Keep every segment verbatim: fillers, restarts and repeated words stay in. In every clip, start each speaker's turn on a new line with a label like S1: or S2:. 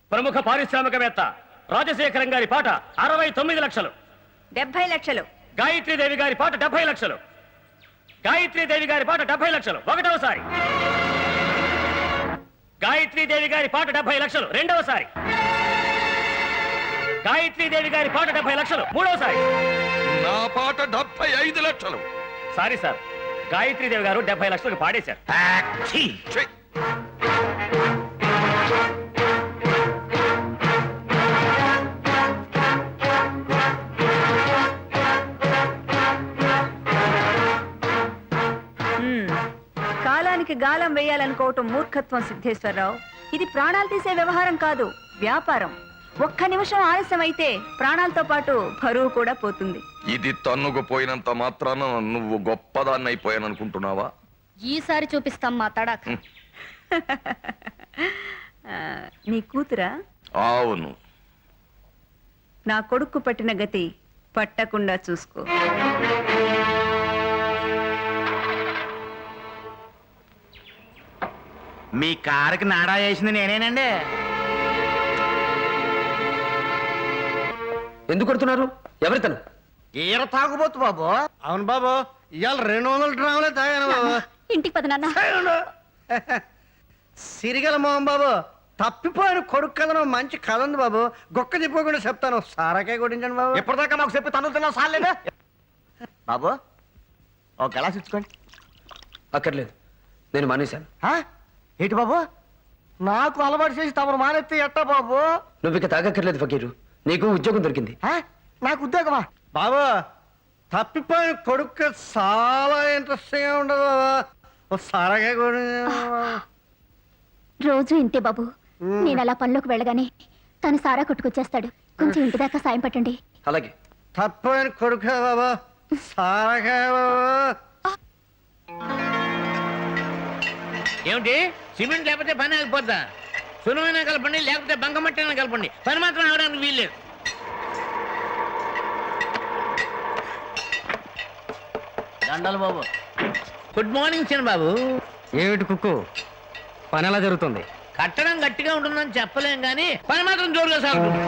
S1: ప్రముఖ పారిశ్రామికవేత్త రాజశేఖరం గారి పాట అరవై తొమ్మిది లక్షలు.
S2: డెబ్బై లక్షలు.
S1: గాయత్రీదేవి గారి పాట డెబ్బై లక్షలు. గాయత్రీదేవి గారి పాట డెబ్బై లక్షలు ఒకటవసారి. గాయత్రీదేవి గారి పాట డెబ్బై లక్షలు రెండవసారి. గాయత్రీదేవి గారి పాట డెబ్బై లక్షలు మూడవసారి.
S3: నా పాట డెబ్బై ఐదు లక్షలు.
S1: సారీ సార్, గాయత్రీదేవి గారు డెబ్బై లక్షలకు పాడేశారు.
S2: కాలానికి గాలం వేయాలనుకోవటం మూర్ఖత్వం సిద్ధేశ్వరరావు. ఇది ప్రాణాలు తీసే వ్యవహారం కాదు, వ్యాపారం. ఒక్క నిమిషం ఆలస్యం అయితే ప్రాణాలతో పాటు బరువు కూడా పోతుంది.
S3: ఇది తన్నుకుపోయినంత మాత్రాన నువ్వు గొప్పదాన్ని అయిపోయాననుకుంటున్నావా?
S4: ఈసారి చూపిస్తాం మా తడాక్.
S2: నీ కూతురా?
S3: అవును.
S2: నా కొడుకు పట్టిన గతి పట్టకుండా చూసుకో.
S5: మీ కారుకి నాడా వేసింది నేనేనండి.
S6: ఎందుకు కొడుతున్నారు? ఎవరి తను?
S5: ఈర తాగుబోతు బాబు.
S7: అవును బాబు, ఇవాళ రెండు వందల డ్రాములే తాగాను బాబు.
S4: ఇంటికి పద నాన్న.
S7: సిరిగల మోహన్ బాబు, తప్పిపోయిన కొడుకు కథను మంచి కథ ఉంది బాబు. గొక్క తిప్పకుండా చెప్తాను, సారాకే కొట్టించండి బాబు.
S5: ఎప్పటిదాకా మాకు చెప్పి తను తిన్నా సార్లేదా బాబు? ఒక గ్లాస్ ఇచ్చుకోండి.
S6: అక్కర్లేదు, నేను మానేశాను.
S5: ఏంటి బాబు, నాకు అలవాటు చేసి తమరు మానేస్తే ఎట్టా బాబు?
S6: నువ్వు ఇక తాగక్కర్లేదు ఫకీరు, నీకు ఉద్యోగం దొరికింది.
S5: నాకు ఉద్యోగమా?
S7: బాబు, తప్పిపోయిన కొడుకు చాలా ఇంట్రెస్టింగ్ గా ఉండదు బాబు. సారాకే కొడి
S4: రోజు ఇంతే బాబు. నేను అలా పనిలోకి వెళ్ళగానే తను సారా కొట్టుకొచ్చేస్తాడు. కొంచెం ఇంటి దాకా సాయం పట్టండి.
S6: అలాగే.
S7: తప్పిపోయిన కొడుకు బాబు, సారాకే బాబు.
S8: ఏమిటి? సిమెంట్ లేకపోతే పని ఆగిపోద్దా? సులువైనా కలపండి, లేకపోతే బంకమట్టైనా కలపండి, పని మాత్రం అవడానికి వీల్లేదు. దండాలు బాబు. గుడ్ మార్నింగ్ చిన్న బాబు.
S6: ఏమిటి కుక్కు, పని ఎలా జరుగుతుంది?
S8: కట్టడం గట్టిగా ఉంటుందని చెప్పలేం కానీ పని మాత్రం జోరుగా సాగుతుంది.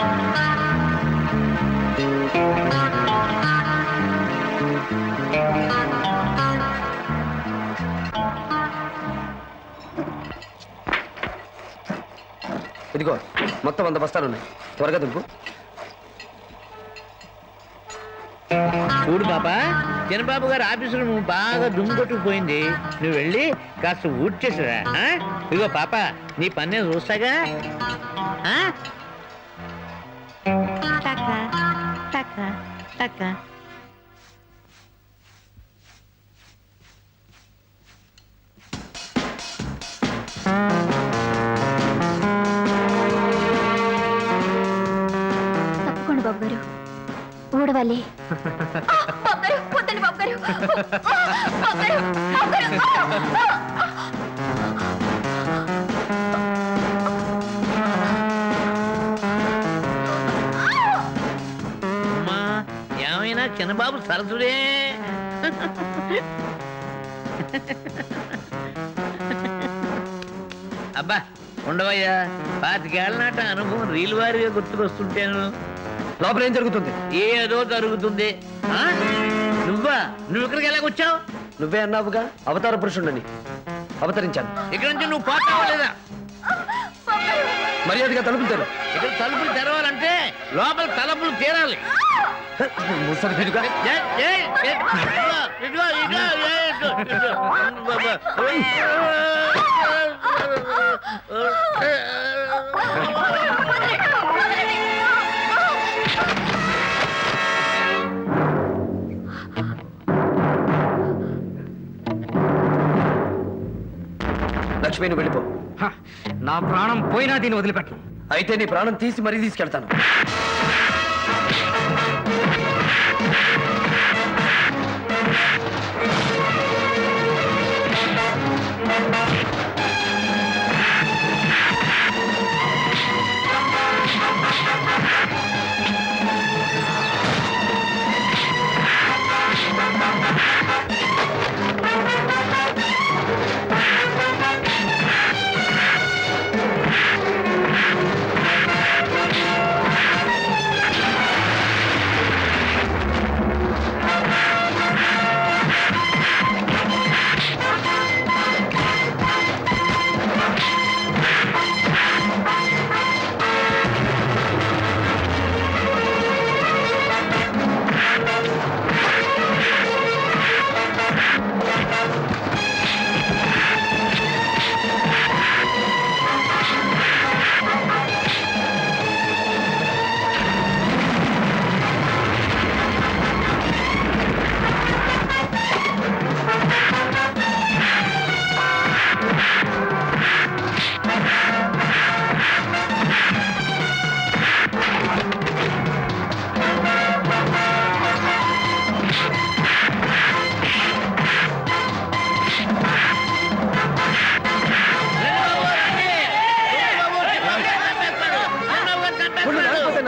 S6: ఇదిగో మొత్తం వంద బస్తాలు ఉన్నాయి, త్వరగా దుంపు.
S8: చూడు పాపా, చిన్నబాబు గారు ఆఫీసులో నువ్వు బాగా దుమ్ము కొట్టుకుపోయింది. నువ్వు వెళ్ళి కాస్త ఊడ్చేసిరా. ఇదిగో పాప, నీ పని నేను చూస్తాగా.
S4: తప్పకుండా బాబు గారు, ఊడవాలి.
S8: అమ్మా, ఏమైనా చిన్నబాబు సరసుడే. అబ్బా ఉండవయ్యా, పాతికేళ్ల నాట అనుభవం రీలు వారిగా గుర్తుకొస్తుంటాను.
S6: లోపల ఏం జరుగుతుంది?
S8: ఏదో జరుగుతుంది. నువ్వా? నువ్వు ఇక్కడికి ఎలాగొచ్చావు?
S6: నువ్వే అన్నావుగా అవతార పురుషుండని, అవతరించాను.
S8: ఇక్కడ నుంచి నువ్వు పోతావా లేదా?
S6: మర్యాదగా తలుపులు తెరు.
S8: ఇక్కడ తలుపులు తెరవాలంటే లోపల తలుపులు తీరాలి.
S6: ముసలి పెరుగా. లక్ష్మిని వెళ్ళిపో.
S5: నా ప్రాణం పోయినా దీన్ని వదిలిపెట్టను.
S6: అయితే నీ ప్రాణం తీసి మరీ తీసుకెళ్తాను.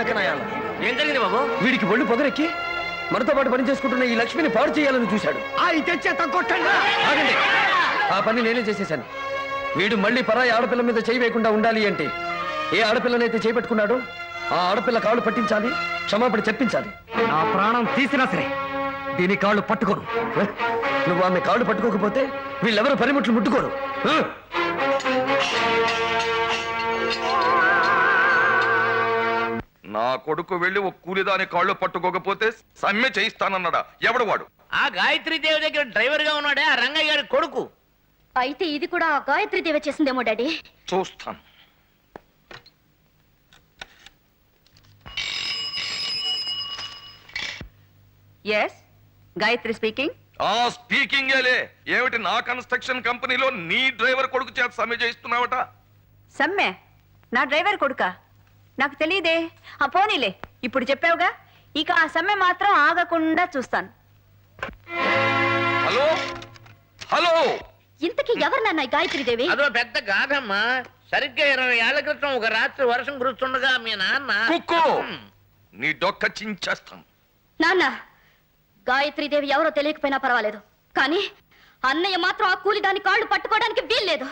S6: నక్కనాయాల
S5: ఏం జరిగింది బాబు?
S6: వీడికి ఒళ్ళు పొగరెక్కి మనతో పాటు పని చేసుకుంటున్న ఈ లక్ష్మిని పాడు చేయాలని చూశాడు.
S7: అయితే చేత కొట్టండి.
S6: ఆగండి, ఆ పని నేనే చేసేశాను. వీడు మళ్ళీ పరాయి ఆడపిల్ల మీద చేయి వేయకుండా ఉండాలి అంటే ఏ ఆడపిల్లనైతే చేపట్టుకున్నాడో ఆ ఆడపిల్ల కాళ్ళు పట్టించాలి, క్షమాపణ చెప్పించాలి.
S7: నా ప్రాణం తీసినా సరే దీని కాళ్ళు పట్టుకోను.
S6: నువ్వు ఆమె కాళ్ళు పట్టుకోకపోతే వీళ్ళెవరు పరిమిట్లు ముట్టుకోరు. హ?
S3: నా కొడుకు వెళ్ళి ఒక కూలిదాని కాళ్ళు పట్టుకోకపోతే సమ్మె చేయిస్తానన్నాడా? ఎవడు వాడు?
S8: ఆ గాయత్రి దేవి దగ్గర డ్రైవర్ గా ఉన్నాడే ఆ రంగయ్య గారి కొడుకు.
S4: అయితే ఇది కూడా ఆ గాయత్రి దేవి చేసిందేమో డాడీ.
S3: చూస్తాను.
S2: Yes, Gayatri speaking.
S3: ఆ స్పీకింగ్ ఏలే. ఏమిటి నా కన్స్ట్రక్షన్ కంపెనీలో నీ డ్రైవర్ కొడుకు చేత సమ్మె చేయిస్తున్నావట?
S2: సమ్మె? నా డ్రైవర్ కొడుకా? నాకు తెలియదే. ఆ పోనీలే, ఇప్పుడు చెప్పావుగా, ఇక ఆ సమ్మె మాత్రం ఆగకుండా చూస్తాను.
S3: హలో హలో,
S4: ఇంతకీ ఎవరు నాన్న ఈ గాయత్రి దేవి?
S8: అదో పెద్ద గాథమ్మా. సరిగ్గా ఇరవై ఏళ్ల క్రితం ఒక రాత్రి వర్షం కురుస్తుండగా మీ నాన్న
S3: కుక్కు నీ డొక్క చించేస్తాను.
S4: నాన్న, గాయత్రి దేవి ఎవరో తెలియకపోయినా పర్వాలేదు, కానీ అన్నయ్య మాత్రం ఆ కూలి దాని కాళ్ళు పట్టుకోవడానికి వీల్లేదు.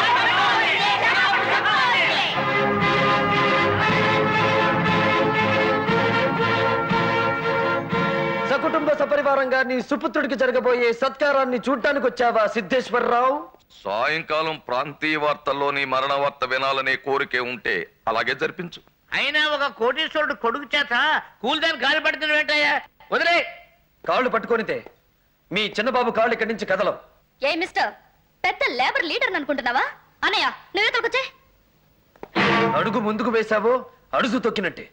S6: సకుటుంబ సపరివారంగా నీ సుపుత్రుడికి జరగబోయే సత్కారాన్ని చూడ్డానికి వచ్చావా సిద్ధేశ్వరరావు?
S3: సాయంకాలం ప్రాంతీయ వార్తల్లో నీ మరణ వార్త వినాలనే కోరికే ఉంటే అలాగే జరిపించు.
S8: అయినా ఒక కోటీశ్వరుడు కొడుకు చేత కూలిదాని గాలి పడుతున్న ఏంటయ్యా? వదిలే.
S6: కాళ్ళు పట్టుకొనితే మీ చిన్నబాబు కాళ్ళు ఇక్కడి నుంచి కదలం.
S4: ఏ మిస్టర్, పెద్ద లేబర్ లీడర్ అనుకుంటున్నావా? అన్నయ్య, నువ్వెతకొచ్చే.
S6: అడుగు ముందుకు వేశావో అడుగు తొక్కినట్టే.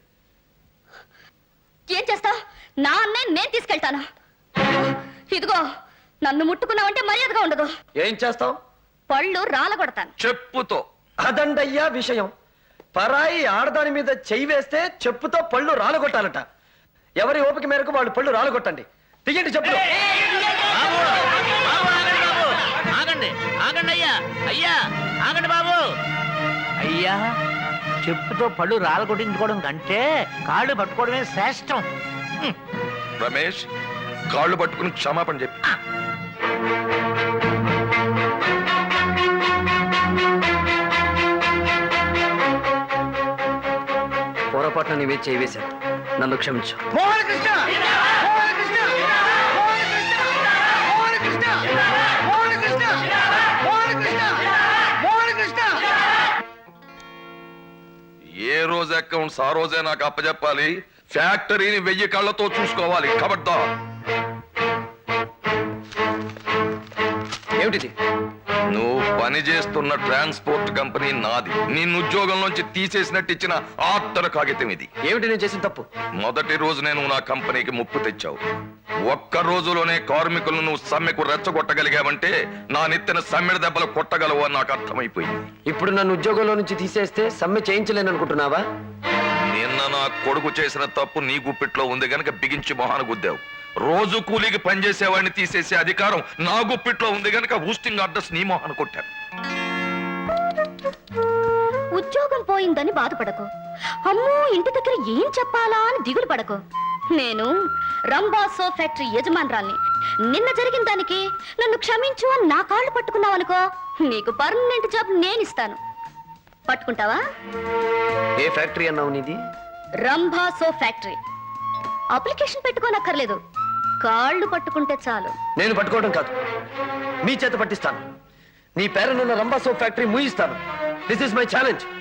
S4: ఏం చేస్తావు? నా అన్నయ్య నేను తీసుకెళ్తాను. ఇదిగో, నన్ను ముట్టుకున్నావంటే మర్యాదగా ఉండదు.
S6: ఏం చేస్తావు?
S4: పళ్ళు రాలగొడతాను.
S3: చెప్పుతో.
S6: అదండయ్యా విషయం. పరాయి ఆడదాని మీద చెయ్యి వేస్తే చెప్పుతో పళ్ళు రాలగొట్టాలట. ఎవరి ఓపిక మేరకు వాళ్ళు పళ్ళు రాలగొట్టండి. దిగండి చెప్పు.
S8: బాబు, బాబు, ఆగండి బాబు. ఆగండి ఆగండి అయ్యా అయ్యా ఆగండి బాబు. అయ్యా, చెప్పుతో పళ్ళు రాలగొట్టించుకోవడం కంటే కాళ్ళు పట్టుకోవడమే శ్రేష్టం. హ్మ్.
S3: రమేష్, కాళ్ళు పట్టుకుని క్షమాపణ చెప్పి.
S6: పొరపాటున నీవే చేయి వేశాను, నన్ను క్షమించు.
S7: మోహన కృష్ణ! మోహన కృష్ణ! మోహన కృష్ణ! మోహన కృష్ణ! మోహన కృష్ణ! మోహన కృష్ణ! మోహన కృష్ణ!
S3: ఏ రోజు అకౌంట్స్ ఆ రోజే నాకు అప్పచెప్పాలి. ఫ్యాక్టరీని వెయ్యి కళ్ళతో చూసుకోవాలి. కబడ్డా.
S6: ఏమిటిది?
S3: నువ్వు పని చేస్తున్న ట్రాన్స్పోర్ట్ కంపెనీ నాది. నిన్ను ఉద్యోగం నుంచి తీసేసినట్టు ఇచ్చిన ఆర్డర్ కాగితం ఇది.
S6: ఏమిటి నేను చేసిన తప్పు?
S3: మొదటి రోజు నేను నా కంపెనీకి ముప్పు తెచ్చావు. ఒక్క రోజులోనే కార్మికులను నువ్వు సమ్మెకు రెచ్చగొట్టగలిగావంటే నా నెత్తిన సమ్మెడ దెబ్బలు కొట్టగలవు అని నాకు అర్థమైపోయింది.
S6: ఇప్పుడు నన్ను ఉద్యోగంలో నుంచి తీసేస్తే సమ్మె చేయించలేను అనుకుంటున్నావా?
S3: నిన్న నా కొడుకు చేసిన తప్పు నీ గుప్పిట్లో ఉంది గనక బిగించి మొహాన గుద్దావు. రోజు కూలీకి పనిచేసేవాడిని తీసేసే అధికారం నా గుప్పిట్లో ఉంది గనక హూస్టింగ్ ఆర్డర్స్ నీ మొహాన కొట్టాను.
S4: ఉద్యోగం పోయిందని బాధపడకు. అమ్మో, ఇంటి దగ్గర ఏం చెప్పాలా అని దిగులు పడకు. నేను రంబాసో ఫ్యాక్టరీ యజమానురాల్ని. నిన్న జరిగిన దానికి నన్ను క్షమించు అని నా కాళ్ళు పట్టుకున్నావు అనుకో, నీకు పర్మనెంట్ జాబ్ నేను ఇస్తాను. పట్టుకుంటావా?
S6: ఏ ఫ్యాక్టరీ అన్నావు నీది?
S4: రంబాసో ఫ్యాక్టరీ. అప్లికేషన్ పెట్టుకోనక్కర్లేదు, కాళ్ళు పట్టుకుంటే చాలు.
S6: నేను పట్టుకోవడం కాదు, మీ చేత పట్టిస్తాను. నీ పేరునున్న రంబాసో ఫ్యాక్టరీ మూయిస్తాను. This is my challenge.